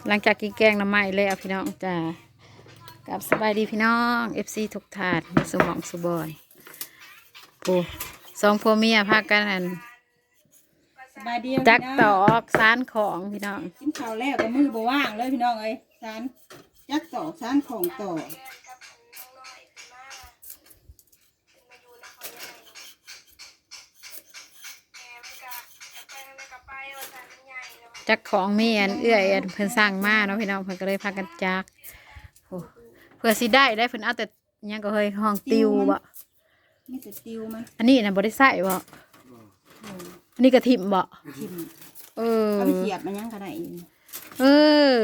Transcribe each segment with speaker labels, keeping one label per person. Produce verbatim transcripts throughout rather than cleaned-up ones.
Speaker 1: หลังจากกินแกงน้ำไหม้แล้วพี่น้องจ้ากับสบายดีพี่น้องเอฟซีทุกถาดมาสมองสุบอยปูสองพ่อเมียพากันอัน
Speaker 2: สบายดี
Speaker 1: จัก
Speaker 2: พี่
Speaker 1: ต
Speaker 2: น้
Speaker 1: อ
Speaker 2: อง
Speaker 1: กสานของพี่น้อง
Speaker 2: กินข้าวแล้วก็มือบ่ว่างเลยพี่น้องเอ้ยสารจักตอกสารของต่อ
Speaker 1: จักของมีอันเอื้อยอันเพิ่นสร้างมาเนาะพี่น้องเพิ่นก็เลยพากันจักโอ้เพื่อสิได้ได้เพิ่นเอาแต่อิหยังก็เฮ้ยห้องติวบ่
Speaker 2: มีแต่ติวมัน
Speaker 1: อันนี้น่ะบ่ได้ใส่บ่อันนี้กระถิ่มบ่
Speaker 2: ชิม
Speaker 1: เออ
Speaker 2: เอาไปเสียบมันยังก็ได้อีก
Speaker 1: เออ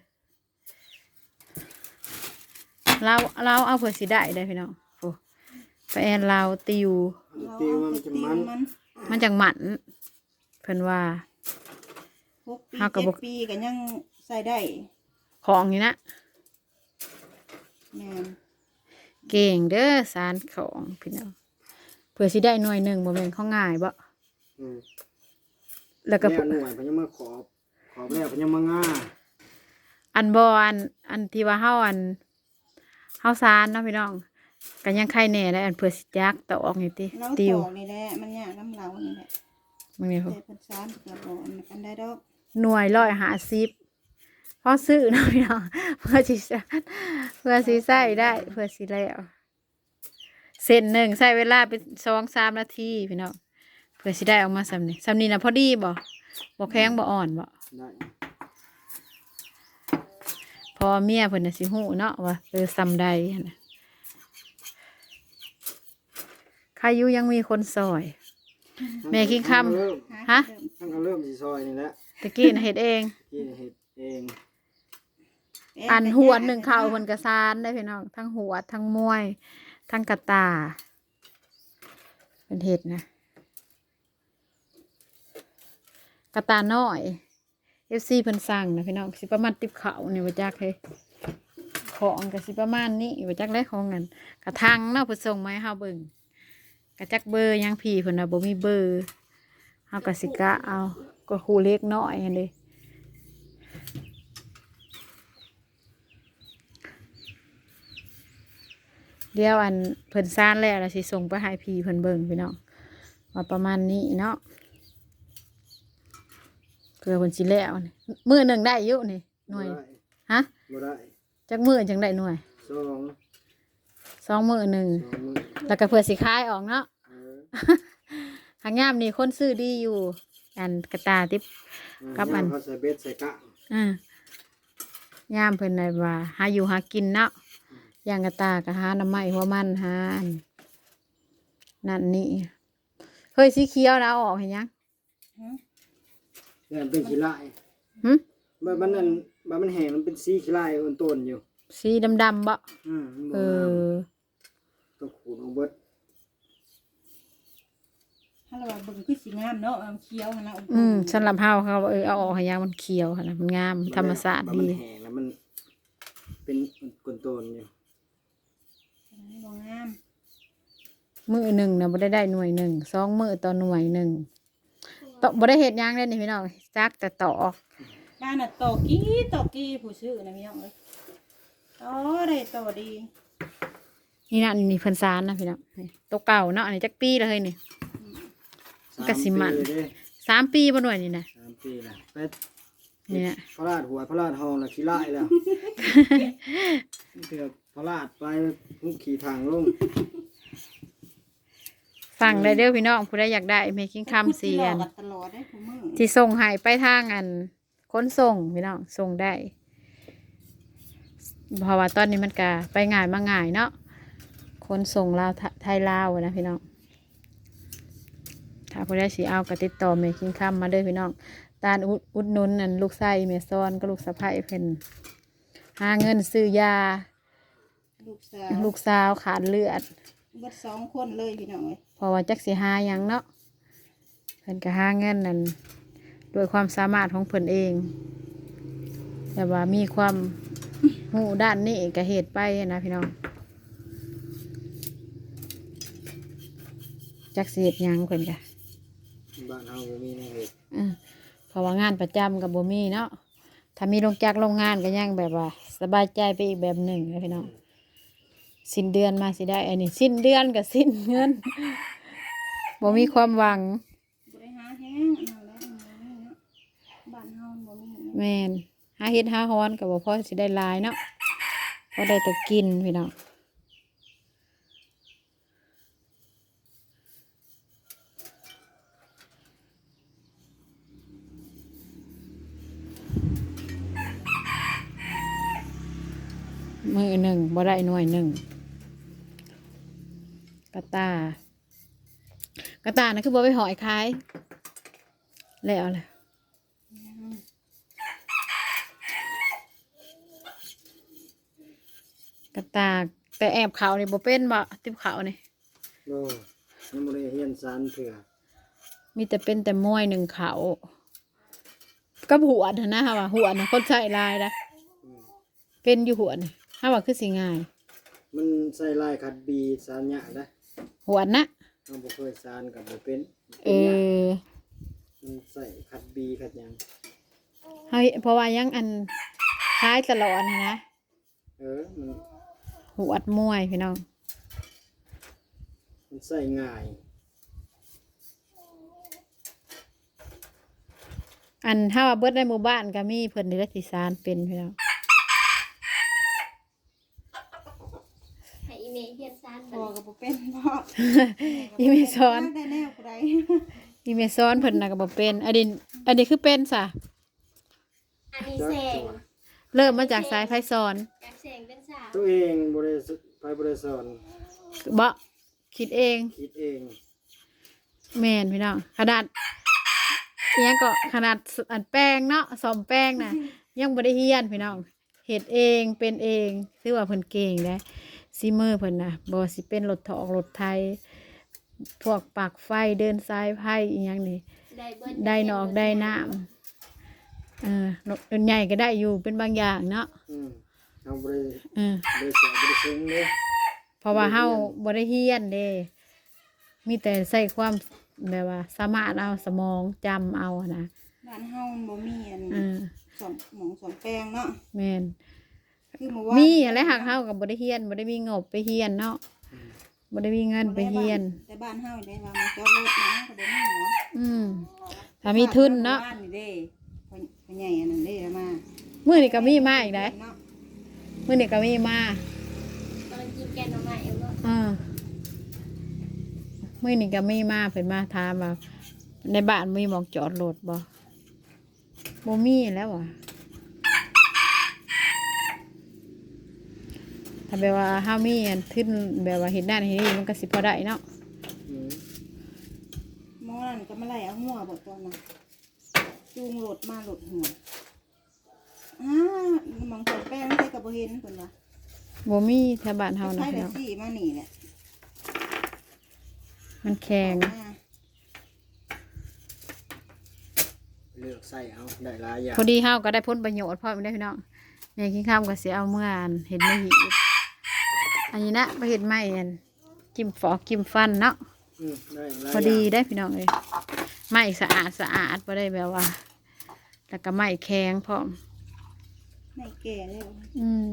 Speaker 1: เราเราเอาเพื่อสิได้ได้พี่น้องโอ้ไปแอนเราติว
Speaker 2: เราเอาไปติวมัน
Speaker 1: มันจังหมันเพิ่นว่า
Speaker 2: หกปี
Speaker 1: เฮาก็บ่
Speaker 2: เจ็ดปีก็ยังใส่ได้
Speaker 1: ของนี่นะ
Speaker 2: แม่น
Speaker 1: เก่งเด้อสารของพี่น้องเพื่อสิได้หน่วยหนึ่งบ่แม่นของง่ายบ่
Speaker 3: อืม
Speaker 1: แล้วก็
Speaker 3: แล้วหน่วยเพนยังมาขอบขอบแล้วเพนยังมาง่า
Speaker 1: อันบ่อันอันที่ว่าเฮาอันเฮาสารเนาะพี่น้องก็ยังใครแน่ได้อันเพื่อสิจักตอกนี่ติ
Speaker 2: เรา
Speaker 1: ติ
Speaker 2: ต
Speaker 1: ว
Speaker 2: อกนี่แหละมันยากน้ำเรานี่แหละ
Speaker 1: มึงนี่
Speaker 2: แต่
Speaker 1: พุ่น
Speaker 2: เพิ่นสารเพิ่นก็บ่อันกันได้ดอก
Speaker 1: หน่วยร้อยห้าสิบพอซื้อเนาะพี่น้องเพื่อสิสารเพื่อสิใส่ได้เพื่อสิแล้วเส้นหนึ่งใช้เวลาเป็นสองสามนาทีพี่น้องเพื่อสิได้ออกมาสำนี้สำนี้นะพอดีบ่บ่แข็งบ่อ่อนบ่
Speaker 3: ได้
Speaker 1: พอเมียเพิ่นน่ะสิฮู้เนาะว่าเออซำใดหั้นน่ะใครอยู่ยังมีคนซอย แม่คิงคำ
Speaker 3: เริ่ม
Speaker 1: ฮะ
Speaker 3: ทั้งก็เริ่มสีซอยนี่แหละ
Speaker 1: ตะกี้น่ะเฮ็ดเอง
Speaker 3: กินเห็ดเอง
Speaker 1: อันหัวหนึ่งเข่าเพิ่นกระซานได้พี่น้องทั้งหัวทั้งมวย ทั้งกระตาเป็นเห็ดนะกระตาน้อยเอฟซีเพิ่นสั่งนะพี่น้องสิประมาณติบเขาเนี่ยว่าจักเฮ้ยของก็สิประมาณนี้ว่าจักได้ของกันกระทังเนาะเพิ่นส่งมาให้เฮาเบิ่งกระจักเบอร์ยังพี่เพิ่นน่ะบ่มีเบอร์เฮาก็สิกะเอาก็คู่เล็กน้อยหั่นเด้ เดี๋ยวอันเพิ่นซ่านแล้วเราสิส่งไปให้พี่เพิ่นเบิ่งพี่น้องว่าประมาณนี้เนาะเพื่อเพิ่นสิแล้วนี่มื้อหนึ่งได้อยู่นี่หน่วย
Speaker 3: บ่ได้
Speaker 1: ฮะ
Speaker 3: บ่ได้
Speaker 1: จักมื้อจังได้หน่วย
Speaker 3: สอง
Speaker 1: สองมื้อหนึ่ง
Speaker 3: สองมือ
Speaker 1: แล้วก็เพื่อสิขายออกเนาะ
Speaker 3: เออ
Speaker 1: หางยามนี่คนซื้อดีอยู่อันกระตาติบ กับอัน
Speaker 3: เขาใส่เบ็ดใส่กะ
Speaker 1: อ่ายามเพิ่นได้ว่าหาอยู่หากินเนาะอย่างกระตาก็หาน้ำไม้หัวมันหาอันนั่นนี่เฮ้ยสีเขียวนะเอาออกเห็นยัง
Speaker 3: เนี่ยมันเป็นขี้ลาย
Speaker 1: หึ
Speaker 3: บัดมันนั่นบัดมันแห้งมันเป็นสีขี้ลายอ่อนต้นอยู่
Speaker 1: สีดำๆบ่
Speaker 3: อืมมัน
Speaker 1: เอ
Speaker 3: บ่งาม
Speaker 1: อ
Speaker 3: ต้องขูดเอาเบิด
Speaker 2: ถ้าเราว่าเบิ่งคือสิงามเนาะเอาเคี้ยวมันนะ
Speaker 1: อืมสำหรับเฮาเขาเออเอาออกให้ยังมันเขียวหั่นนะมันงามธรรมชาติ
Speaker 3: บัดมั
Speaker 1: ดี
Speaker 3: นแห้งแล้วมันเป็นก้นต้นอยู่
Speaker 2: บ่งาม
Speaker 1: มือหนึ่งนะบ่ได้ได้หน่วยหนึ่งสองมือต่อหน่วยหนึ่งตบ่ได้เฮ็ดหยังเลยนี่พี่น้องจักแต่ตอก
Speaker 2: บ้านน่ะตอกกี้ตอกกี้ผู้ซื้อนะพี่น้องเอ้ยต่อได้ต่อดี
Speaker 1: นี่นะนี่เพิ่นซานนะพี่น้องนี่ตัวเก่าเนาะอันนี้จักปีแล้วเฮ้ยนี่ กะสิมัน
Speaker 3: สาปีเด้
Speaker 1: สามปีบ่หน่วยนี่นะ
Speaker 3: สามปีแล้วไป
Speaker 1: เนี่ย
Speaker 3: พระราชหัวพระราชหองแล้วขี้ลายแล้ว เถื่อพระราชไปหุบขี่ทางลง
Speaker 1: สั่งได้เด้อพี่น้องผู้ใดอยากได้เมคิงคัมเสียน
Speaker 2: พูดตลอดได้ผู้มือ
Speaker 1: ที่ส่งให้ไปทางอันขนส่งพี่น้องส่งได้เพราะว่าตอนนี้มันก็ไปง่ายมาง่ายเนาะขนส่งลาวไทไทยลาวอะนะพี่น้องถ้าผู้ใดสิเอาก็ติดต่อเมคิงคัมมาเด้อพี่น้องตาลอุดอุดหนุนนั่นลูกไส้เมซอนก็ลูกสะใภ้เพิ่นหาเงินซื้อยา
Speaker 2: ลูกสาว
Speaker 1: ลูกสาวขาดเลือด
Speaker 2: เบิดสองคนเลยพี่น้องเอ้ย
Speaker 1: เพราะว่าจักสิหาหยังเนาะเพิ่นก็หาเงินนั่นด้วยความสามารถของเพิ่นเอง แต่ว่ามีความหูด้านนี้ก็เหตุไปนะพี่น้องจักสิเฮ็ดหยังเพิ่นก็
Speaker 3: บ้านเฮาบ่มีในเห็ด
Speaker 1: อือเพราะว่างานประจำกับบ่มีเนาะถ้ามีลงจากโรงงานก็ยังแบบว่า สบายใจไปอีกแบบหนึ่งเลยพี่น้องสิ้นเดือนมาสิได้อันนี้สิ้นเดือนกับสิ้นเงินบ่มีความหวัง
Speaker 2: บ่ได้หาแห้งอันนั้นแหละอันนี้เนาะบ้านเฮาบ่มีเนาะ
Speaker 1: แม่นหาเฮ็ดหาฮ้อนก็บ่พอสิได้หลายเนาะพอได้แต่กินพี่น้องมือหนึ่งบ่ได้หน่วยหนึ่งกระตากระตานะคือบ่ไปหอยขายแล้วเลยกระตาแต่แอบเขานี่บ่เป็นบ่ติบเขานี่
Speaker 3: โลยังบ่ได้เฮียนสารเถื่อ
Speaker 1: มีแต่เป็นแต่มวยหนึ่งเขากับหัวนะฮะว่าหัวนะคนใส่ลายนะ
Speaker 3: อืม
Speaker 1: เป็นอยู่หัวนี่ถ้าว่าคือสิง่าย
Speaker 3: มันใส่ลายขัดบีสารหยาได้
Speaker 1: หัวนะ
Speaker 3: เราบ่เคยสารกับบ่เป็น
Speaker 1: เออ
Speaker 3: มันใส่ขัดบีขัดหยัง
Speaker 1: เฮ้ยเพราะว่ายังอันคล้ายตลอดนะ
Speaker 3: เออมัน
Speaker 1: หัวดมวยพี่น้อง
Speaker 3: มันใส่ง่าย
Speaker 1: อันถ้าว่าเบิดในหมู่บ้านก็มีเพิ่นนี่แหละที่สานเป็นพี่น้อง
Speaker 4: ให้อีเมลเฮียนซาน
Speaker 2: พ่
Speaker 4: บั
Speaker 2: อ
Speaker 4: ด
Speaker 2: ก็บ่เป็นพ่อ
Speaker 1: อีเมซอน
Speaker 2: ได้แนวผู้ใด
Speaker 1: อีเมซอนเพิ่นน่ะก็บ่เป็นอันนี้อันนี้คือเป็นซะ
Speaker 4: อันนี้แสง
Speaker 1: เริ่มมาจากสายไฟสอน
Speaker 4: จากแสงเป็นสาว
Speaker 3: ตัวเองบ่ได้สไปบ่ได้สอน
Speaker 1: บ่คิดเอง
Speaker 3: คิดเอง
Speaker 1: แม่นพี่น้องขนาดเนี้ยก็ขนาดอันแป้งเนาะสอมแป้งน่ะ ยังบ่ได้เฮียนพี่น้องเฮ็ดเองเป็นเองถือว่าเพิ่นเก่งเด้ซีมือเพิ่นน่ะบ่สิเป็นรถถอกรถไทย พวกปากไฟเดินสายไฟอีหยังนี่
Speaker 4: ได้เบิด
Speaker 1: ได้นอกได้น้ำเออรถใหญ่ก็ได้อยู่เป็นบางอย่างเนาะ
Speaker 3: อืมเอาบ่ได้
Speaker 1: เออ
Speaker 3: บ่ได้สอนบ่ได้ซึ้งเด้
Speaker 1: เพราะว่าเฮาบ่ได้เฮียนเด้มีแต่ใส่ความแบบว่า สามารถเอาสมองจำเอานะ
Speaker 2: บ้านเฮามันบ่มีอัน
Speaker 1: เออ
Speaker 2: สอนหมองสอนแป้งเนาะ
Speaker 1: แม่น
Speaker 2: คือเมื่อวาน
Speaker 1: มีอะไรหักเฮากับบ่ได้เฮียนบ่ได้มีงบไปเฮียนเนาะบ่ได้มีเงินไปเฮียน
Speaker 2: แต่บ้านเฮาได้ว่ามันจอดรถนะก็บ่มีเนาะ
Speaker 1: อืมถ้ามีทุนเนาะ
Speaker 2: บ้านนี่เด้พ่อพ่อใหญ่อันนั้นเด้มา
Speaker 1: มื้อนี้ก็มีมาอีกได้
Speaker 2: เนาะ
Speaker 1: มื้อนี้ก็มีมา
Speaker 4: ตอนกินแกงหน่อไม้เอาบ่
Speaker 1: เออมื้อนี้ก็มีมาเพิ่นมาถามว่าในบ้านมีหม้องจอดรถบ่บ่มีแล้วอ่ะถ้าแบบว่าเฮามีอันทุนแบบว่าเฮ็ดนั่นเฮ็ดนี่มันก็สิพอได้เนาะ
Speaker 3: อืม
Speaker 2: หมอนั่นก็มาไล่เอาหัวบ่ตอนน่ะจูงรถมาหลดหัวอ้าหมองสอนแป้งใส่ก็บ่เห็นเพิ่นว่า
Speaker 1: บ่มีแถวบ้านเฮานะ
Speaker 2: ใช่
Speaker 1: พี่
Speaker 2: แต่
Speaker 1: น้อง
Speaker 2: สี่มานี่แหละ
Speaker 1: มันแข็ง
Speaker 2: อ่า
Speaker 3: เลือกใส่เอาได้หลายอย่าง
Speaker 1: พอดีเฮาก็ได้ผลประโยชน์พร้อมได้พี่น้องแม่กินข้าวก็สิเอาเมื่ออันเห็ดไม่หีบอันนี้นะไปเห็ดไม้อันจิ้มฟอกจิ้มฟันเนาะ
Speaker 3: อืมได้หลาย
Speaker 1: พอดี
Speaker 3: ย่าง
Speaker 1: ได้พี่น้องเลยไม้สะอาดสะอาดบ่ได้แบบว่าแล้วก็ไม้แข็งพร้อม
Speaker 2: ไม่แก่แล้ว
Speaker 1: อืม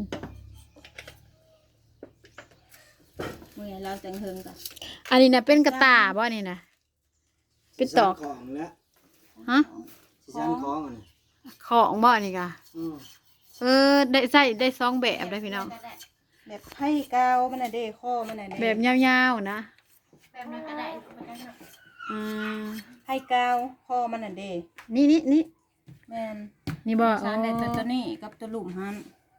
Speaker 2: เมื่อเราจังเฮิงกัน
Speaker 1: อันนี้นะเป็นกระตาบ่นี่นะ เป็นตอก
Speaker 3: สิสานของแล้ว
Speaker 1: ฮะ
Speaker 3: สิสานของอันนี้
Speaker 1: ของบ่นี่กะ
Speaker 3: อืม
Speaker 1: เออได้ใส่ได้สองแบบได้พี่น้อง
Speaker 2: แบบไผ่กาวมันน่ะเด้ข้อมันน่ะเด้
Speaker 1: แบบยาวๆนะ
Speaker 4: แบบนั้นก็ได้แบบนั้นเนาะ
Speaker 1: อ่า
Speaker 2: ไผ่กาวข้อมันน่ะเด้
Speaker 1: นี่นี่นี่
Speaker 2: แม่น
Speaker 1: นี่บ่
Speaker 2: สารได้แต่ตัวนี้กับตัวหลุมหัน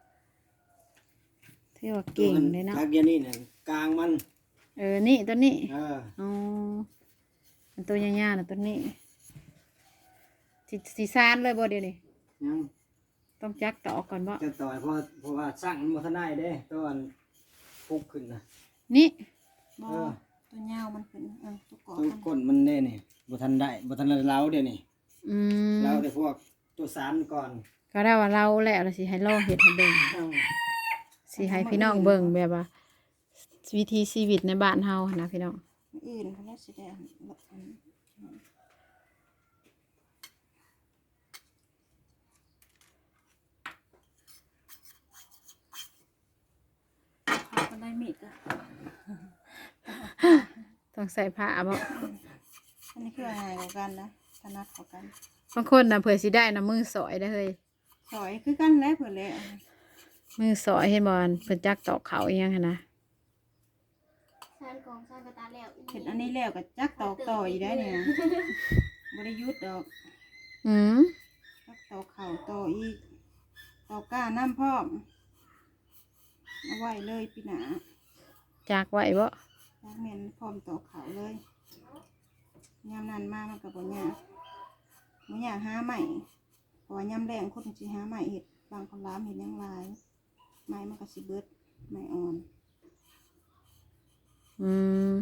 Speaker 1: ที่ว่าเก่งเลยเนาะ
Speaker 3: ทักเดียวนี่น่ะกลางมัน
Speaker 1: เออนี่ตัวนี้
Speaker 3: เออ
Speaker 1: อ๋ออันตัวยาวๆนะตัวนี้สีสีซานเลยบ่เดี๋ยวนี้
Speaker 3: ยัง
Speaker 1: ต้องจักตอกก่อนบ่
Speaker 3: จะต่อยเพราะเพราะว่าสร้างมันบ่ทันได้เด้ตอนฟุกขึ้นนะ
Speaker 1: นี่
Speaker 2: บ่
Speaker 3: เออ
Speaker 2: ตัวยาวมันเป็นเออตัวกอ
Speaker 3: ต้น
Speaker 2: มัน
Speaker 3: ก้นมันเด้นี่บ่ทันได้บ่ทันได้เล้าเด้นี่
Speaker 1: อืม
Speaker 3: เล้าแต่พวกตัวสารก่อน
Speaker 1: ก็ได้ว่าเราแล้วเราสิให้ลองเฮ็ดให้เบิ่ง
Speaker 3: เอ้า
Speaker 1: สิให้พี่น้องเบิ่งแบบว่า วิธีชีวิตในบ้านเฮาหั้นนะพี่น้อง
Speaker 2: อื่นเขาน่าสิได้อันอัน
Speaker 1: ต้องใส่ผ้าบ่
Speaker 2: อันนี้คือง่ายกว่ากันนะถนัดกว่ากัน
Speaker 1: บางคนน่ะเผื่อสิได้นะมือสอยได้เฮ้ย
Speaker 2: สอยคือกันแล้วเพิ่นแล้ว
Speaker 1: มือสอยเห็นบ่เพิ่นจักตอกเขาอีหยังหั้นนะ
Speaker 4: ซานของซานกระตาแล้ว
Speaker 2: เห็นอันนี้แล้วก็จักตอกต่ออีกได้เนี่ยบ่ได้หยุดดอก
Speaker 1: อืม
Speaker 2: จักตอกเข่าต่ออีกตอกก้าน้ำพร้อมเอาไว้เลยปีหนา
Speaker 1: จักไว้บ่
Speaker 2: จักแม่นพร้อมตอกเข่าเลยยามนั้นมามันก็บ่ยากบ่ยากหาใหม่เพราะว่ายามแรงคนสิหาใหม่เฮ็ดบางคนล้ามเฮ็ดหยังหลายไม้มันก็สิเบิดไม้อ่อน
Speaker 1: อืม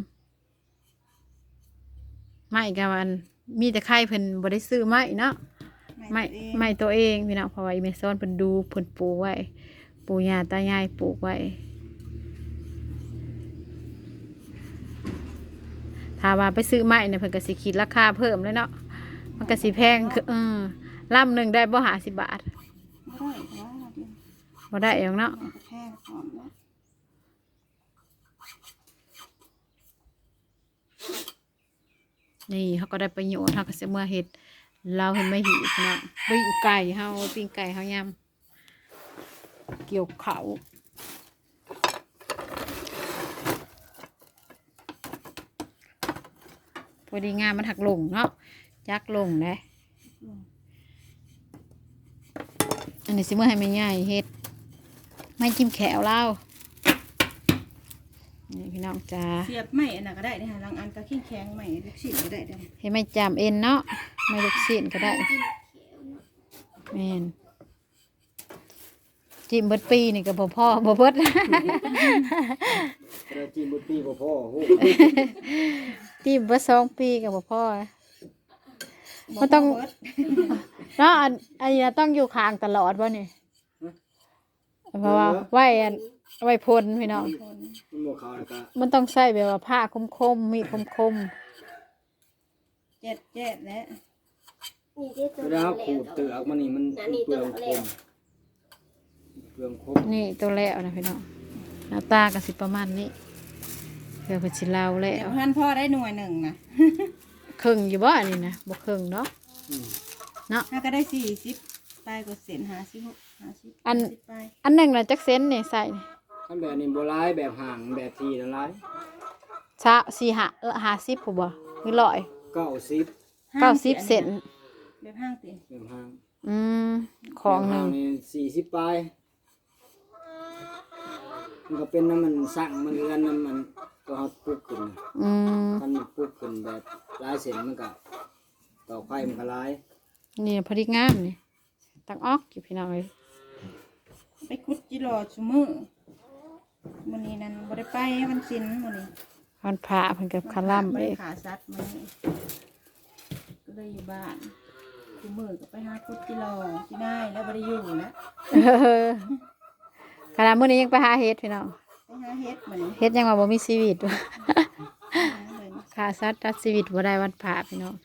Speaker 1: ไม่กะวันมีแต่ไข่เพิ่นบ่ได้ซื้อไม้เนาะไม้ไม้ตัวเองพี่น้องเพราะว่าอีเมซอนเพิ่นดูเพิ่นปลูกไว้ปู่ย่าตายายปลูกไว้ถ้าว่าไปซื้อไม้เนี่ยเพิ่นก็สิคิดราคาเพิ่มเลยเนาะมันก็สิแพงคือเออลำหนึ่งได้บ่ห้าสิบบาท
Speaker 2: บ่ได้เพราะว่าเราเป็น
Speaker 1: บ่ได้เองเนาะ
Speaker 2: มันก็แพงพร้อมแล้ว
Speaker 1: นี่เขาก็ได้ประโยชน์เขาก็สิเมื่อเฮ็ดเราเห็นไม่หิวเนาะปิ้งไก่เฮาปิ้งไก่เฮายำเกี่ยวเขาพอดีงามมันหักลงเนาะจักลงเลยอันนี้สิเมื่อให้แม่ใหญ่เฮ็ดไม่จิ้มแขวเล่านี่พี่น้องจ้า
Speaker 2: เสียบไม้อันนั้นก็ได้นะคะบางอันก็แข็งแข็งๆไม้ลูกชิ้นก็ได้เด้อ
Speaker 1: เห็นไม่จามเอ็นเนาะไม่ลูกศิษย์ก็ได้แม่นจิ้มเบิดปีนี่ก็บ่พ่อบ่เบิด
Speaker 3: กระจีนบุตรีบ่พ่อโห
Speaker 1: จิ้มเบิดสองปีก็บ่พ่อ มันต้อง
Speaker 2: เบิด
Speaker 1: เนาะอันอันนี้ต้องอยู่ข้างตลอดบ่นี่เพราะว่าไว้อันไว้พ่นพี่น้อง
Speaker 3: มันบ่เข้าแล้วก็
Speaker 1: มันต้องใช้แบบว่าผ้าคมๆมีดคม
Speaker 2: เจ็ดเจ็ดแล้ว
Speaker 4: นี่ที่ตัว
Speaker 3: เวลาขูดเตือกมันนี่มันเปลืองคมเปลืองคม
Speaker 1: ๆนี่ตัวแล้วนะพี่น้องหน้าตาก็สิประมาณนี้เพื่อเพิ่นสิเล่าแล้
Speaker 2: เดี๋ยว
Speaker 1: ว
Speaker 2: พันพ่อได้หน่วยหนึ่งนะ
Speaker 1: ครึ่งอยู่บ่อันนี้นะบ่ครึ่งเนาะ
Speaker 3: อืม
Speaker 1: เนาะ
Speaker 2: ถ้าก็ได้สี่สิบปลายก็เส้นหาสิบหกหาสิบ
Speaker 1: อัน
Speaker 2: สิบปลาย
Speaker 1: อันหนึงน่ะจักเซนนี่ใส่นี่
Speaker 3: คันแบบนี้บ่ร้ายแบบห่างแบบทีละร้าย
Speaker 1: ชะสี่ห้าเออห้าสิบผู้บ่หรือร้อย
Speaker 3: เก้าสิบ
Speaker 1: เก้าสิบเซน
Speaker 2: แบบห้างติ
Speaker 3: แบบห่าง
Speaker 1: อืมของหนึ่ง
Speaker 3: แบบห่านี่สี่สิบปลายมันก็เป็นน้ำมันสั่งมันเรือนน้ำมันก็เฮาปลูกขึ้น
Speaker 1: อืม
Speaker 3: คันมันปลูกขึ้นแบบหลายเส้นมันก็ต่อไฟมันก็หลาย
Speaker 1: นี่พอดีงามนี่ตักออกอยู่พี่น้องเอ้ย
Speaker 2: ไปคุดจิโร่ชุมือมื้อนี้นั่นบ่ได้ไปมันสินมื้อนี้
Speaker 1: วันพระเพิ่นกับคาล่ำ
Speaker 2: บ่
Speaker 1: เอ
Speaker 2: ได้
Speaker 1: ง
Speaker 2: ขาสัตว์มื้อนี้ก็เลยอยู่บ้านชุมือก็ไปหาคุดจิโร่ที่ได้แล้วบ่ได้อยู่นะ
Speaker 1: เออขณะมื้อนี้ยังไปหาเฮ็ดพี่น้อง
Speaker 2: ไปหาเฮ็ดมื้อนี้
Speaker 1: เฮ็ดยังว่าบ่มีชีวิต
Speaker 2: หาเลย
Speaker 1: ค่าสัตว์ตัดชีวิตบ่ได้วันพระพี่น้อง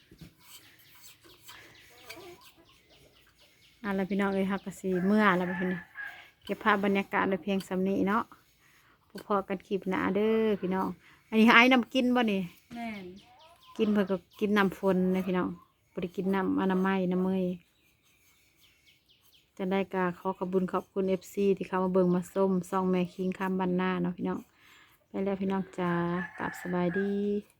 Speaker 1: เอาล่ะพี่น้องเอ้ยฮักก็สิเมื่อแล้วพี่น้องเก็บภาพบรรยากาศไว้เพียงสำนี้เนาะพอๆกันคลิปหน้าเด้อพี่น้องอันนี้ไอ้น้ำกินบ่นี่
Speaker 2: แม่น
Speaker 1: กินเพื่อก็กินน้ำฝนนะพี่น้องบ่ได้กินน้ำอนามัยน้ำเมยจะได้กาขอขอบคุญขอบคุณเอฟซีที่เขามาเบิ่งมาส้มซองแม่คิงคำบันหน้าเนาะพี่น้องไปแล้วพี่น้องจ้ากลับสบายดี